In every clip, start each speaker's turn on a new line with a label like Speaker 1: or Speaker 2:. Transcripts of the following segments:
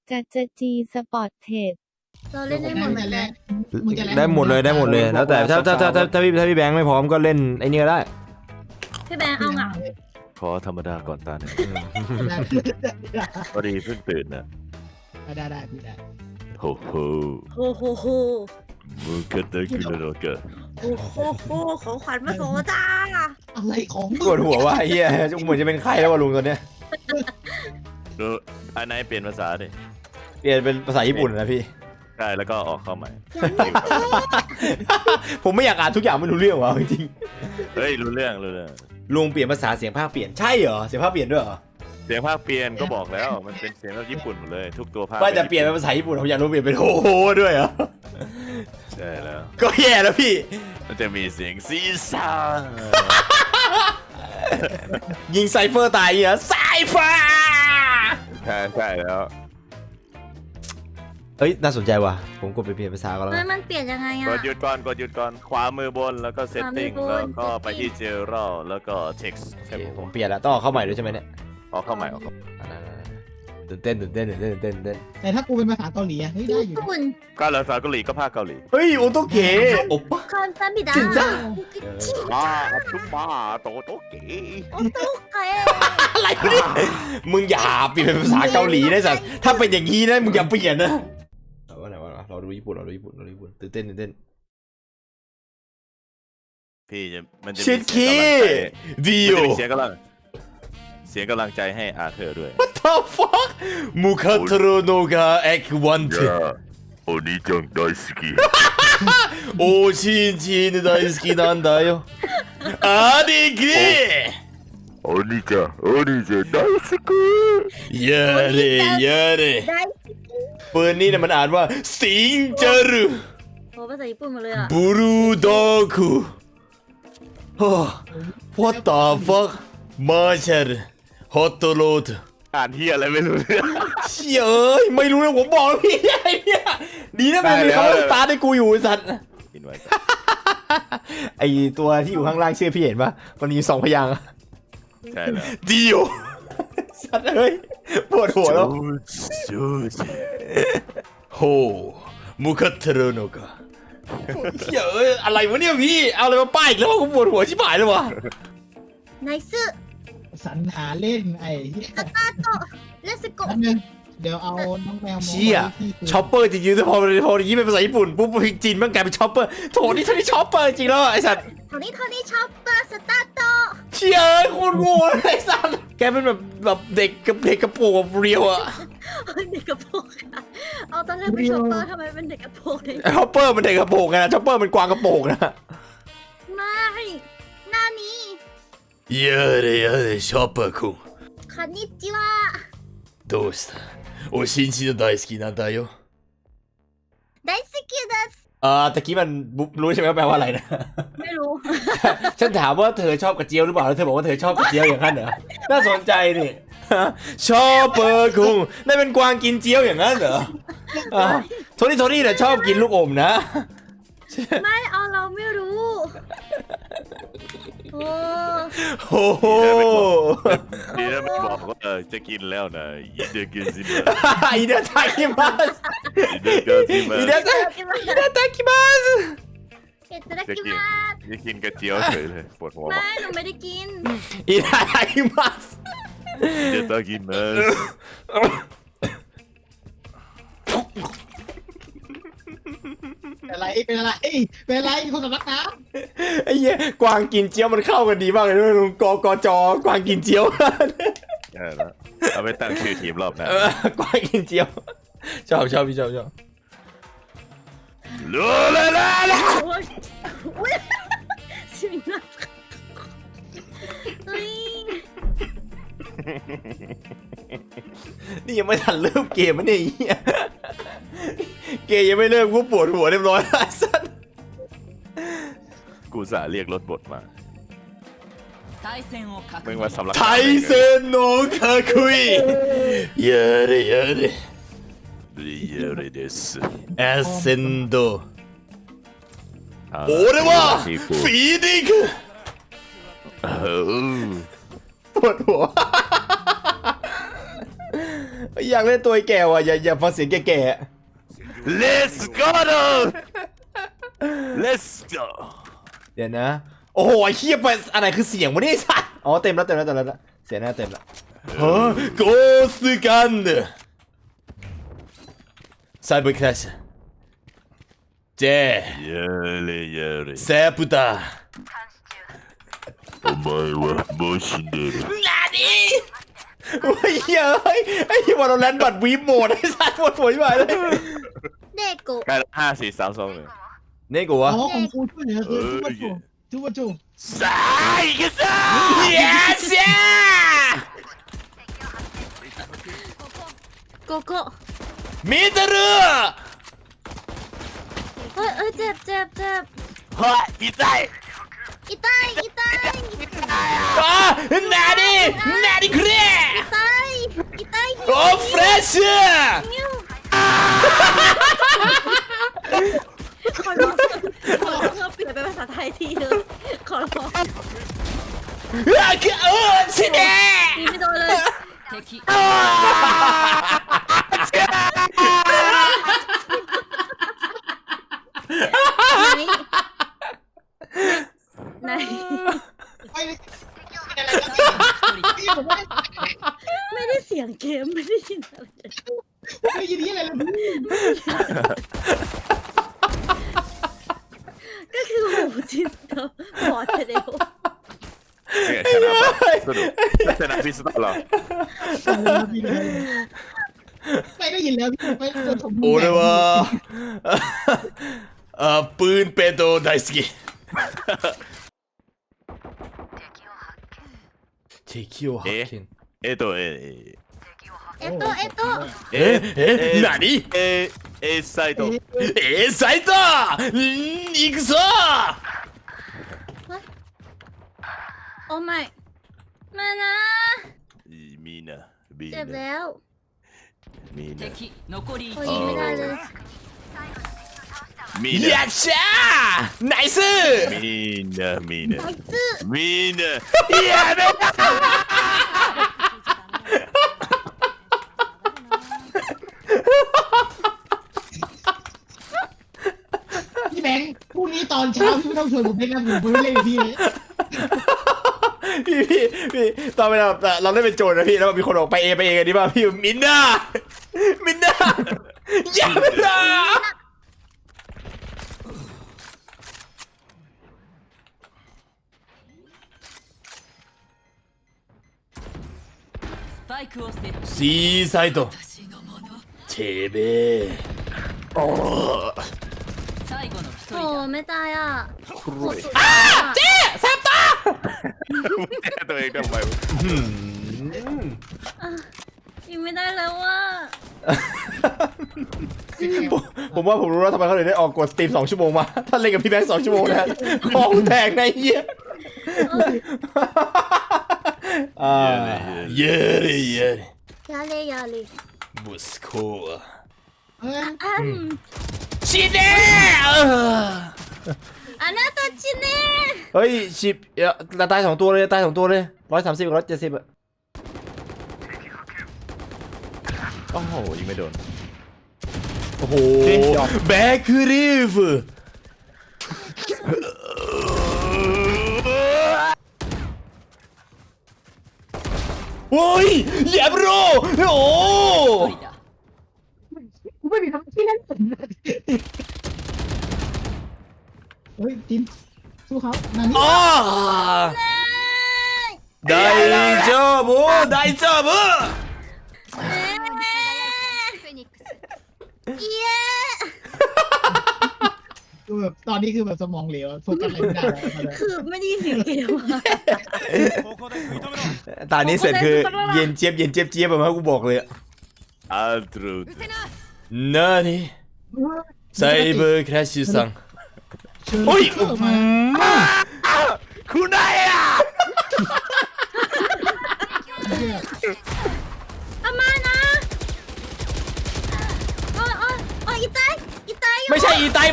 Speaker 1: จะจีสปอร์ตเทรด
Speaker 2: เราเล่นได้หมดเหมือนกัน
Speaker 3: ได้หมดเลยแล้วแต่ถ้าพี่แบงค์ไม่พร้อมก็เล่นไอ้นี่ก็ได้
Speaker 2: พี่แบงค์เอาเหงา
Speaker 4: ขอธรรมดาก่อนตาหนึ่งพอดีเพิ่งตื่นนะ
Speaker 5: ได้พี่ได้
Speaker 4: โอ้โห
Speaker 2: โอ้โห
Speaker 4: มึงเกิดอะไรขึ้นแล้วเกิด
Speaker 2: โอ้โหของขวัญมาส่งจ้า
Speaker 5: อะไรของ
Speaker 3: ปวดหัวว่าไอ้เหี้ยเหมือนจะเป็นไข้แล้วว่ะลุงตอนเนี้ย
Speaker 4: อันไหนเปลี่ยนภาษาดิ
Speaker 3: เปลี่ยนเป็นภาษาญี่ปุ่นนะพี่
Speaker 4: ใช่แล้วก็ออกเข้าใหม่
Speaker 3: ผมไม่อยากอ่านทุกอย่างไม่รู้เรื่องว่ะจริง
Speaker 4: เฮ้ยรู้เรื่อง
Speaker 3: ๆลุงเปลี่ยนภาษาเสียงภาคเปลี่ยนใช่เหรอเสียงภาคเปลี่ยนด้วยเหรอ
Speaker 4: เสียงภาคเปลี่ยนก็บอกแล้วมันเป็นเสียงแบบญี่ปุ่นหมดเลยทุกตัวภาค
Speaker 3: ว่าจะเปลี่ยนเป็นภาษาญี่ปุ่นผมอยากรู้เปลี่ยนเป็นโฮโฮด้วยเหรอ
Speaker 4: ใช่แล้ว
Speaker 3: ก็แย่แล้วพี่
Speaker 4: มันจะมีเสียงซีซ่า
Speaker 3: ยิงไซเฟอร์ตายเหรอไซเฟอร์
Speaker 4: ใช่แล้ว
Speaker 3: เฮ้ยน่าสนใจว่ะผมกดไปเปลี่ยนภาษาก็แล้ว
Speaker 2: มันเปลี่ยนยังไง
Speaker 4: ก
Speaker 2: อ่ะ
Speaker 4: ดหยุดก่อนขวามือบนแล้วก็เซตติ้ง
Speaker 2: ขวามือบน
Speaker 4: แล้วก็ไปที่เจอรัลแล้วก็ text
Speaker 3: โอเคผมเปลี่ยนแล้วต้องเอาเข้าใหม่ด้วยใช่ไหมเนี่ย
Speaker 4: ออกเข้าใหม่
Speaker 3: ตื่นเต้น
Speaker 5: แต่ถ้ากูเป็นภาษาเกาหลีเฮ้ยได้อยู่
Speaker 2: คุณ
Speaker 4: ก็ภาษาเกาหลีก็ภาคเกาหลี
Speaker 3: เฮ้ยโอโตเกะโอปะ
Speaker 2: คอนซัมบิดา
Speaker 3: จริงจ้ะ
Speaker 4: มาชุบมาโตเก๋
Speaker 2: โอ้ตุ๊กเก๋
Speaker 3: อะไรวะเนี่ยมึงอย่าเปลี่ยนเป็นภาษาเกาหลีได้สัตว์ถ้าเป็นอย่างนี้นะมึงอย่าเปลี่ยนนะว่าไหนเราดูญี่ปุ่นตื่นเต้น
Speaker 4: พี่มันจะ
Speaker 3: ชิดคีดิ
Speaker 4: มัน
Speaker 3: โอ
Speaker 4: จะมีเสียงกำลังใจให้อาเธอร์ด้วย
Speaker 3: What the fuck มุคาโทโรโนกาเอ็กวันเท
Speaker 4: โอนิจัง大好き
Speaker 3: โอชินชิน大好きなんだよありき
Speaker 4: お兄ちゃん大好き
Speaker 3: やれやれ
Speaker 2: ได้
Speaker 3: ปืนนี้เนี่ยมันอ่านว่าสิงจารุ
Speaker 2: โอ้ภาษาญี่ปุ่นหมดเลยอ่ะ
Speaker 3: บูรุดอคุโอ้ What the fuck มาเชอร์ฮอตโรด
Speaker 4: อ่านที่อะไรไม่รู้เรื่อง
Speaker 3: เชี่ยเอ้ยไม่รู้เลยผมบอกแล้วพี่ไอ้เนี่ยดีนะมันมีคำว่าสตาร์ทให้กูอยู่ไอ้สัตว์
Speaker 4: กินไว้
Speaker 3: ไอตัวที่อยู่ข้างล่างชื่อพี่เห็นปะมันมี2 พยางค์
Speaker 4: ใช่แล้ว
Speaker 3: ดิโอสัตว์เอ้ยปวดหัวแล้ว
Speaker 4: จูจิ
Speaker 3: โฮมุคัตเทโรโนกะเชี่ยเอ้ยอะไรวะเนี่ยพี่เอาอะไรมาป้ายอีกแล้ววะกูปวดหัวชิบหายเลยวะ
Speaker 2: ไนซึ
Speaker 5: สรรหาเล่นไอ้เหี้ย
Speaker 2: ตาโตเลสโก
Speaker 5: แป๊บนึงเดี๋ยวเอาน้องแมวมา
Speaker 3: เชี่ย
Speaker 5: ไว้ที่กู
Speaker 3: ช็อปเปอร์จริงๆแต่พออย่างนี้เป็นภาษาญี่ปุ่นปุ๊บจีนมันกลายเป็นช็อปเปอร์โถนี่ท่านี่ช็อปเปอร์จริงแล้วไอ้สัตว์
Speaker 2: เท่านี้ชอบเปอร์สตาโต
Speaker 3: เชี่ยเอ้ยโคตรโง่เลยไอ้สัตว์แกเป็นแบบเด็กกระโปรงแบบเรียวอะ
Speaker 2: เด็กกระโปรงค่ะเอาตอนแรกเป็นชอปเปอร์ทำไมเป็นเด็กกระโปรงเลย
Speaker 3: ช็อปเปอร์มันเด็กกระโปรงไงนะช็อปเปอร์มันกวางกระโปรงนะ
Speaker 2: ไม่หน้านี้
Speaker 3: やれやれショッパー君
Speaker 2: คอนนิจิวะ
Speaker 3: どうしたおしんちの大好きなんだよ
Speaker 2: ไดสกิดัส
Speaker 3: ตะกี้มันรู้ใช่ไหมว่าแปลว่าอะไรนะ
Speaker 2: ไม่รู้
Speaker 3: ฉันถามว่าเธอชอบกระเจียวหรือเปล่าแล้วเธอบอกว่าเธอชอบกระเจียวอย่างนั้นเหรอน่าสนใจนี่ชอบเปอร์คุงนั่นเป็นกวางกินเจียวอย่างนั้นเหรอโทนี่แต่ชอบกินลูกอมนะ
Speaker 2: ไม่เอาเราไม่รู้โอ้
Speaker 3: โอ้โห
Speaker 4: ดีนะไม่บอกว่าจะกินแล้วนะยินดีกินสิมา
Speaker 3: อินาตาคิมัส
Speaker 4: ยินดีกินสิมา
Speaker 3: อินาตาคิมัส
Speaker 2: เอตระ
Speaker 4: จะ
Speaker 2: กิ
Speaker 4: กิน
Speaker 2: มา
Speaker 4: จะกินกระเจียวเฉยเลยปวดหัว
Speaker 2: ไม่หนูไม่ได้กิน
Speaker 3: อินาตาคิมัส
Speaker 4: เดตากินมาส
Speaker 5: เป็นอะไรคนสำนักน้
Speaker 3: ไอ้เหี้ยกวางกินเจียวมันเข้ากันดีมากเลยนะลุงกจกวางกินเจียว
Speaker 4: ใช่แล้วเอาไปตั้งชื่อทีมรอบหน้าก
Speaker 3: วางกินเจียวชอบพี่ชอบ
Speaker 4: ลูลาลาลา
Speaker 2: โอ้ยอุ้ยสิมินาอุ้ย
Speaker 3: นี่ยังไม่ทันเริ่มเกมมันเนี่ยไอ้เหี้ยเกมยังไม่เริ่มกูปวดหัวเรียบร้อยแล้วสัส
Speaker 4: กูสาเรียกรถบทมามึงมาสำลัก
Speaker 3: ไทเซนโนคาคุยเยเร
Speaker 4: เยเรเดส
Speaker 3: เอเซนโดโอ้เรียกว่าฟีดิกปวดหัวอยากเล่นตัวไอ้แก่ว่ะอย่าฟังเสียงแก่
Speaker 4: Let's go Let's go
Speaker 3: ๆเดี๋ยวนะโอ้โหไอ้เหี้ยไปอันไหนคือเสียงวะเนี่ยไอ้สัสอ๋อเต็มแล้วเสียงหน้าเต็มแล้วเฮ้ยโกสกันไซเบอร์คลาสเจ
Speaker 4: やれ
Speaker 3: セプタ
Speaker 4: お前はもう死んでる
Speaker 3: 何โอ้ยเฮ้ยไอ้ที่วอลเลนบัตวีโหมดไอ้สัสปวดหัวไปเลย
Speaker 2: เด็กกู
Speaker 4: ใกล้5 4 3 2 1
Speaker 3: นี่กูวะ
Speaker 5: อ๋อของกูช่วยเหลือคือจูบจู
Speaker 4: さあ行くぞ
Speaker 3: Yes
Speaker 2: โกโก้
Speaker 3: 見てる
Speaker 2: เฮ้ยเจ็บ
Speaker 4: はい痛い
Speaker 2: อีตาย
Speaker 3: あ何これ
Speaker 2: อีตาย
Speaker 3: おフレッシュ
Speaker 2: ขอร้องเธอเปลี่ยนเป็นภาษาไทยทีเถอะขอร้อง
Speaker 3: 死ね
Speaker 2: ตีไม่โดนเลย ไหน
Speaker 5: ไม่ได้อะไรกันพี่ผมว่า
Speaker 2: ไม่ได้เสียงเกมไม่ได้ยินอะไรเลย
Speaker 5: ไม่ยินดีอะไรเลย
Speaker 2: ก็คือหูจิตเธอบอดไปเร็ว
Speaker 4: ชนะพิสตอลเหรอ
Speaker 5: ไม่ได้ยินแล้วพี่ไม่โดนผม
Speaker 3: 俺はปืนペント大好き敵を発見
Speaker 2: เอโต
Speaker 3: 何
Speaker 4: サイト
Speaker 3: サイト行くぞ
Speaker 2: โอ้ไม่มานะ
Speaker 4: みんな
Speaker 2: เจ็บแล้ว
Speaker 4: みんな
Speaker 2: โอ้ยไม่ได้เลย
Speaker 4: みんな
Speaker 3: やっしゃーナイス
Speaker 4: みんなみんな
Speaker 2: ไอ้ซื่อ
Speaker 4: みんな
Speaker 3: やめ
Speaker 5: พี่แบงค์พรุ่งนี้ตอนเช้าพี่ไม่ต้องชวนผมเล่นนะผมไม่เล่นกับพี่เลย
Speaker 3: พี่ตอนเวลาเราเล่นเป็นโจรนะพี่แล้วมีคนออกไปเองกันดีป่ะพี่มินน่าอย่าไปละシーサイトてめえ
Speaker 2: โอ้ไม่ตายอ่ะ
Speaker 3: เจ๊แซมตา
Speaker 4: ตัวเองทำไม
Speaker 2: ยิงไม่ได้แล้วว่ะ
Speaker 3: ผมว่าผมรู้แล้วทำไมเขาถึงได้ออกกดสตรีม2 ชั่วโมงมาถ้าเล่นกับพี่แบงค์2 ชั่วโมงนะของแตกในเหี้ยเยอะเลย
Speaker 2: ยาเลย
Speaker 3: บุสโค ชิเน่
Speaker 2: อันนั้นตัวชินเน่
Speaker 3: เฮ้ยชิปตาย2 ตัวเลย130กับ170อะ
Speaker 4: โอ้โหยิงไม่โดน
Speaker 3: โอ้โหแบ็ครีฟโอ้ยอย่าโบรโอ้
Speaker 5: กูไม่มีทำที่นั่นเฮ้ยจินสู้เขานานี่
Speaker 3: 大丈夫大丈夫
Speaker 2: เย้
Speaker 5: คือแบบตอนนี้คือแบบสมองเหลวโฟกัสอะไรไม่ได้เลย
Speaker 2: คือไม่ได้ยินเสียงเกมอ่ะ
Speaker 3: ตอนนี้เสร็จคือเย็นเจี๊ยบแบบว่ากูบอกเลย
Speaker 4: อัลตรู
Speaker 3: นานี่ไซเบอร์คราชซังโอ้ย
Speaker 4: คุณนายอ่ะ
Speaker 2: อามานะโอ้อีตายอยู่
Speaker 3: ไม่ใช่อีไต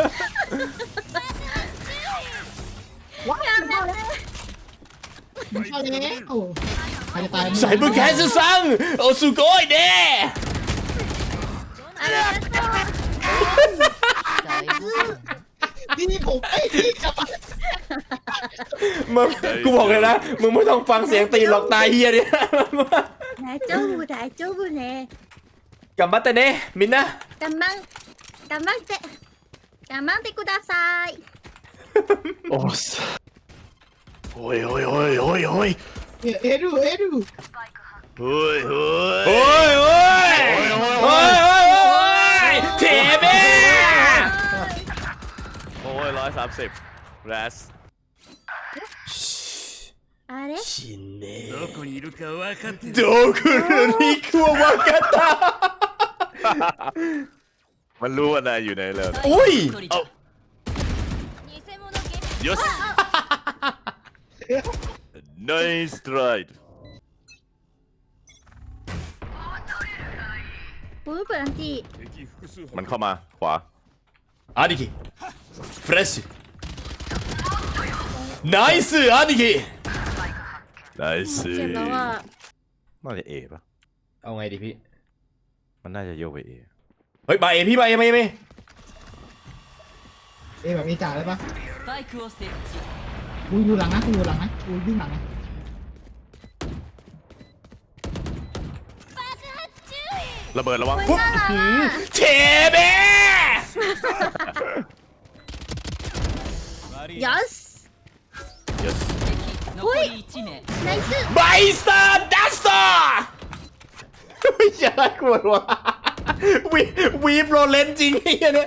Speaker 2: อย่าแม่
Speaker 5: มาแล้วใครจะตาย
Speaker 3: ใส่บุญแคสซังโอสุโกยเด้
Speaker 2: อะไรนะ
Speaker 5: นี่ผมไอ้ที่กลับมา
Speaker 3: มึงกูบอกเลยนะมึงไม่ต้องฟังเสียงตีนหรอกตายเฮียเนี่ย
Speaker 2: 大丈夫大丈夫ね
Speaker 3: กลับมาแต่เน่มินนะ
Speaker 2: 頑張ん頑張って頑張ってください
Speaker 4: โอ้สโอ้ยโอ้ยโอ้ยโอ้ยโอ้ย
Speaker 5: เอดู
Speaker 4: เฮ้ยเฮ้ย
Speaker 3: โอ้ยโอ้ยโอ้ยโอ้ยโอ้ยเทเบ้
Speaker 4: โอ้ย130แรส
Speaker 2: あれ
Speaker 3: ชินเน่
Speaker 6: どこにいるか分かってる。
Speaker 3: โดคุริคุวากาตา
Speaker 4: มันรู้ว่านายอยู่ในเลย
Speaker 3: อุ้ย
Speaker 4: เอายศ nice try
Speaker 2: ブーブランティ
Speaker 6: 敵複数
Speaker 4: มันเข้ามาขวา
Speaker 3: アニキフレッシュナイスアニキ
Speaker 4: nice
Speaker 2: เจ็บแล้วอ่ะ
Speaker 4: น่าจะเอป่ะ
Speaker 3: เอาไงดีพี่
Speaker 4: มันน่าจะโยกไปเอ
Speaker 3: เฮ้ยมาเอพี่มาเอมาเอมา
Speaker 5: เอแบบมีจ่าเลยปะ
Speaker 7: スパイクを設置
Speaker 5: กูอยู่หลังนะกูอยู่หลังนะกูวิ่งหลังนะ
Speaker 4: ระเบิดระวัง
Speaker 3: ปุ๊บหืมเทเบ้
Speaker 2: よし
Speaker 4: yes
Speaker 7: 残り1名
Speaker 2: ナイス
Speaker 3: ไบสเตอร์ดัสเตอร์ไม่ใช่อะไรกูวะวีฟโรเลนจริงไอ้เนี่ย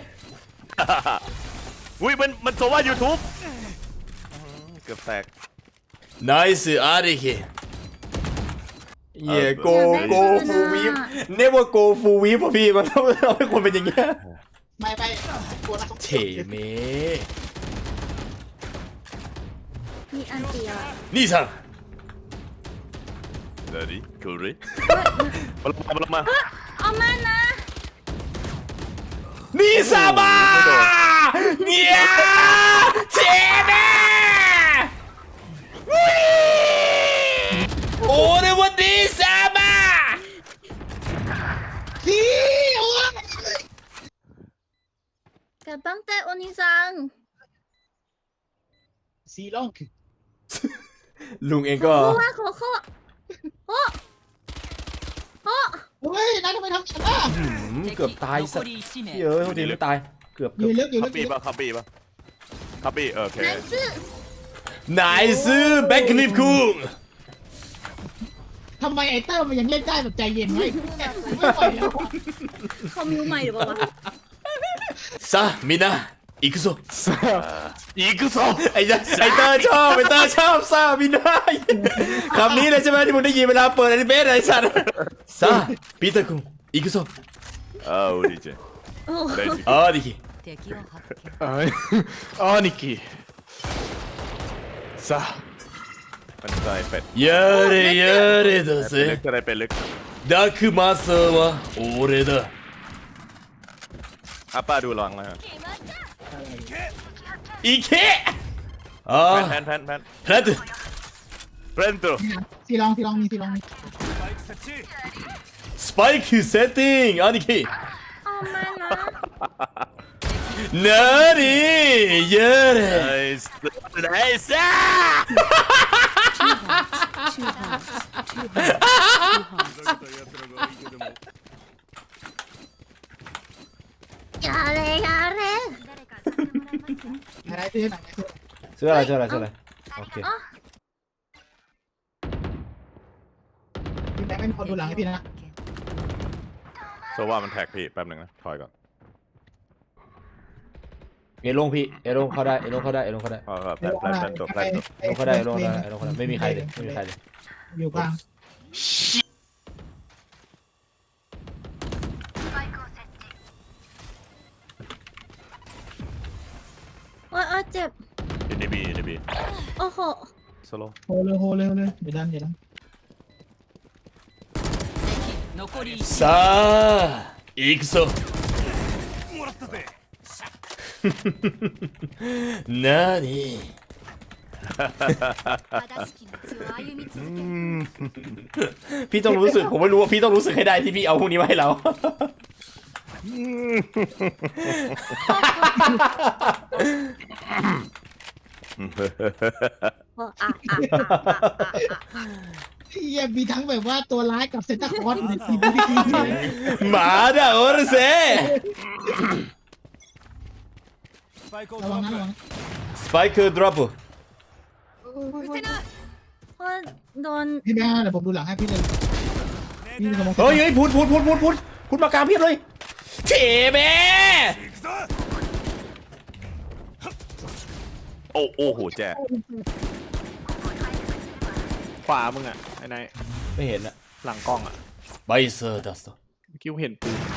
Speaker 4: อุ้ยมันโซว่า YouTube เกือบแตก
Speaker 3: ナイスアニキเย่โกฟูวีฟเนว่าโกฟูวีฟป่ะพี่มันต้องให้คนเป็นอย่างเงี้ย
Speaker 5: ไม่กลัวนะ
Speaker 3: เทเม
Speaker 2: มีอันเดียว
Speaker 3: นี่สั่ง
Speaker 4: เดี๋ยวดิคูริมาลงมา
Speaker 2: เอามานะ
Speaker 3: นี่ซาบาเนี่ยเทเมโอ้เรวันดีซาบา
Speaker 5: พี่โอ้ย
Speaker 2: 頑張ってお兄さん
Speaker 5: ซีล่องคือ
Speaker 3: ลุงเอง
Speaker 2: こ
Speaker 3: ก็
Speaker 2: こはここお
Speaker 5: เฮ้ยนายทำไมทำฉันล่ะ
Speaker 3: เกือบตายสั
Speaker 7: 残
Speaker 3: ตว์
Speaker 7: り1名
Speaker 3: เยอะดีไม่ตายเกือบ
Speaker 5: อยู่ลึกอยู่
Speaker 4: คั
Speaker 5: ลึ
Speaker 4: บ
Speaker 5: ก
Speaker 4: ปี้ป่ะคับปี้ป่ะคับปี้โอเค
Speaker 2: ナイス
Speaker 3: นายซื้อแบ็คคลิฟคุง
Speaker 5: ทำไมไอเตอร์มันยังเล่นได้แบบใจเย็นไว้ไม่ไหวแล้ว
Speaker 2: เขามิวใหม่หรือเปล่าวะ
Speaker 3: ซะみんな行くぞ
Speaker 4: อีกซอ
Speaker 3: ไอ้เตอร์ชอบไอ้เตอร์ชอบซะみんなคำนี้เลยใช่ไหมที่มึงได้ยินเวลาเปิดอนิเมะไอ้สัตว์ซะปีเตอร์คุง行くぞ
Speaker 4: อ้าวดีเจ
Speaker 2: お
Speaker 4: ได้สิ
Speaker 3: あーでき
Speaker 7: 敵を発見
Speaker 4: 兄貴さあมันจะได้เป็ด
Speaker 3: やれやれだ
Speaker 4: เป็ดลึก
Speaker 3: ぜ
Speaker 4: จะได้เป็ดลึก
Speaker 3: ダークマスターは俺だ
Speaker 4: อ่ะป้าดูลองนะฮะ
Speaker 3: 行けあ
Speaker 4: แพ
Speaker 3: あ
Speaker 4: น
Speaker 3: プラント
Speaker 4: เรนตัว
Speaker 5: ซีลองมีซีลองมี
Speaker 3: スパイクセッティング兄貴
Speaker 2: お前な
Speaker 3: なにや
Speaker 4: ไน
Speaker 3: れ
Speaker 4: ส์ไนส์
Speaker 2: やれやれ
Speaker 5: อะไรซื้อไหน
Speaker 3: ซื้ออะไรซื้ออะไรซื้ออะไรโอเค
Speaker 5: พี่แบงค์เป็นคนดูหลังให้พี่นะ
Speaker 4: โซว่ามันแท็กพี่แป๊บหนึ่งนะถอยก่อน
Speaker 3: เอลงพี่เอลงเข้าได้เอลงเข้าได้เอลงเข้าได้
Speaker 4: แพนตัว
Speaker 3: เอลงเข้าได้เอลงเข้าได้เอลงเข้าได้ไม่มีใครเลยไม่มีใครเลย
Speaker 5: อยู่กลาง
Speaker 2: โอ้ยโอ้ยเจ็บ
Speaker 4: อินดีบี
Speaker 2: โอ้โห
Speaker 4: โซโล่
Speaker 5: โหเลยเดี๋ยวดัน
Speaker 7: 残り1
Speaker 3: さあ行くぞ
Speaker 6: もらったぜ。
Speaker 3: なにพี่ต้องรู้สึกผมไม่รู้ว่าพี่ต้องรู้สึกให้ได้ที่พี่เอาพวกนี้มาให้เรา
Speaker 5: เฮียมีทั้งแบบว่าตัวร้ายกับเซนต้าคลอสอยู่ในทีมนี้ทีม
Speaker 3: หมาเด้อโอรเซ
Speaker 6: スパイクを
Speaker 5: ระวังนะระวัง
Speaker 3: สไปค์ดรอป
Speaker 2: เพราะโดน
Speaker 5: พี่แม่เดี๋ยวผมดูหลังให้พี่เลยพี่ระวัง
Speaker 3: เฮ้ยพูดมากลางเพียบเลยเฉแม่
Speaker 6: 行くぞ
Speaker 4: โอ้โหแจ๊ขวามึงอ่ะไอ้นาย
Speaker 3: ไม่เห็นอะ
Speaker 4: หลังกล้องอ่ะ
Speaker 3: ไบเซอร์ดัสต์
Speaker 4: เมื่อกี้กูเห็นปืน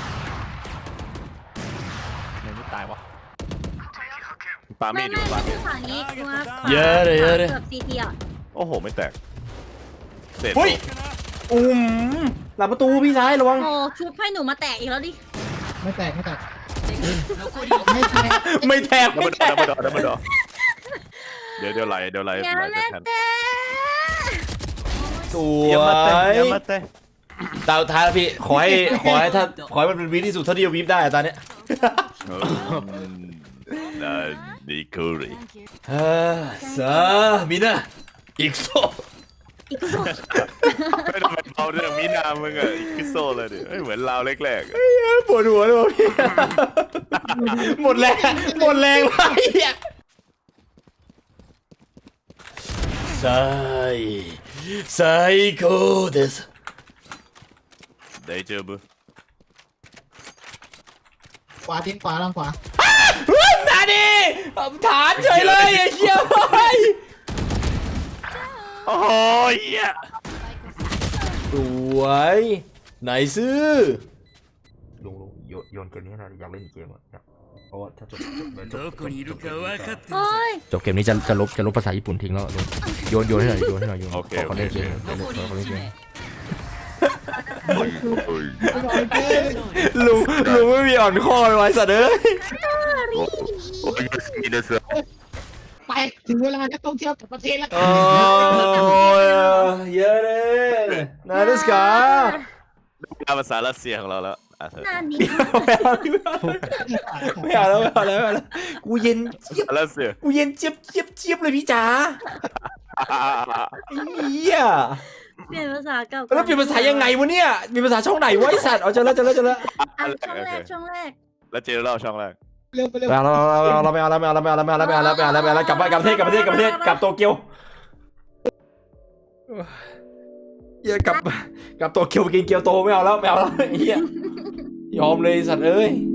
Speaker 4: ไหนไม่ตายวะปา
Speaker 2: ไม่
Speaker 4: มีดอยู่
Speaker 2: ไม่
Speaker 4: ปา
Speaker 2: ไม่
Speaker 4: มี
Speaker 2: ใช่
Speaker 4: ด
Speaker 2: ฝั่งนี้กูว่า
Speaker 3: เยอะเลย
Speaker 2: เกือบซีทีอ่ะ
Speaker 4: โอ้โหไม่แตกเสร็จ
Speaker 3: เฮ้ยหลังประตูพี่ชายระวัง
Speaker 2: โอ้ชุบให้หนูมาแตกอีกแล้วดิ
Speaker 5: ไม่แตกไม่แตก
Speaker 7: 残り
Speaker 5: ไม่แตก
Speaker 3: ไม่แทก
Speaker 4: ดับ
Speaker 3: ไม่
Speaker 4: เบิล
Speaker 3: แท
Speaker 4: ดอก ดับเบิลดอเดี๋ยวไหล
Speaker 2: อย่า
Speaker 4: ไหล
Speaker 2: มา
Speaker 4: จะทัน
Speaker 2: แตก
Speaker 3: ส
Speaker 4: เยี่ยม
Speaker 3: ว
Speaker 4: มาเต้
Speaker 3: ย
Speaker 4: เยี่ยมมาเต้
Speaker 3: ตาท้ายแล้วพี่ขอให้มันเป็นวีที่สุดเท่าที่จะวีฟได้อะตอนเนี้ย
Speaker 4: น่าดีคูรี
Speaker 3: สามีนะอีกโซ
Speaker 2: อีกโซ่
Speaker 4: ไม่ต้องไปเอาเรื่องมีนามึงอ่ะคิโซเลยดิเหมือนเราแรกๆ
Speaker 3: ปวดหัวเลยว่ะพี่หมดแรงไปอ่ะไซโคเดส
Speaker 4: ได้เจอบุ
Speaker 5: ขวาทิ้งขวาลองขวา
Speaker 3: นาดิฐานเฉยเลยไอ้เชี่ยไป
Speaker 4: โอ้ยเหี้ย
Speaker 3: สวยไหนซื้อลุงโยนเกมนี้นะอยากเล่นเกมอ่ะเพราะว่าถ้าจบ
Speaker 6: どこにいるか分かってる
Speaker 2: โอ้ย
Speaker 3: จบเกมนี้จะลบภาษาญี่ปุ่นทิ้งแล้วโยนให้หน่อยขอเล่นเกม
Speaker 7: 残り1名
Speaker 3: ลุงไม่มีอ่อนข้อไว้สัตว์เอ้ย
Speaker 4: โอ้ยมีเดส
Speaker 5: ไปถึงเวลาจะต้องเที่ยวกับประเทศแล้ว
Speaker 3: โอ้ยเยอะเลยนาดิสกา
Speaker 4: ภาษารัสเซียของเราแล้วเธอ
Speaker 2: หน้านี้
Speaker 3: ไม่เอาแล้วกูเย็นเจี๊ยบ
Speaker 4: รัสเซีย
Speaker 3: กูเย็นเจี๊ยบเลยพี่จ๋าเหี้ย
Speaker 2: เปลี่ยนภาษาเก่า
Speaker 3: แล้วเปลี่ยนภาษายังไงวะเนี่ยมีภาษาช่องไหนวะไอสัตว์เอาเจอแล้ว
Speaker 2: ช่องแรกช่องแรก
Speaker 4: แล้วเจอเราช่องแรก
Speaker 5: เร็วไปเร็ว
Speaker 3: เราไม่เอากลับประเทศกลับโตเกียวเหี้ยกลับโตเกียวไปกินเกียวโตไม่เอาแล้วเหี้ยยอมเลยสัตว์เอ้ย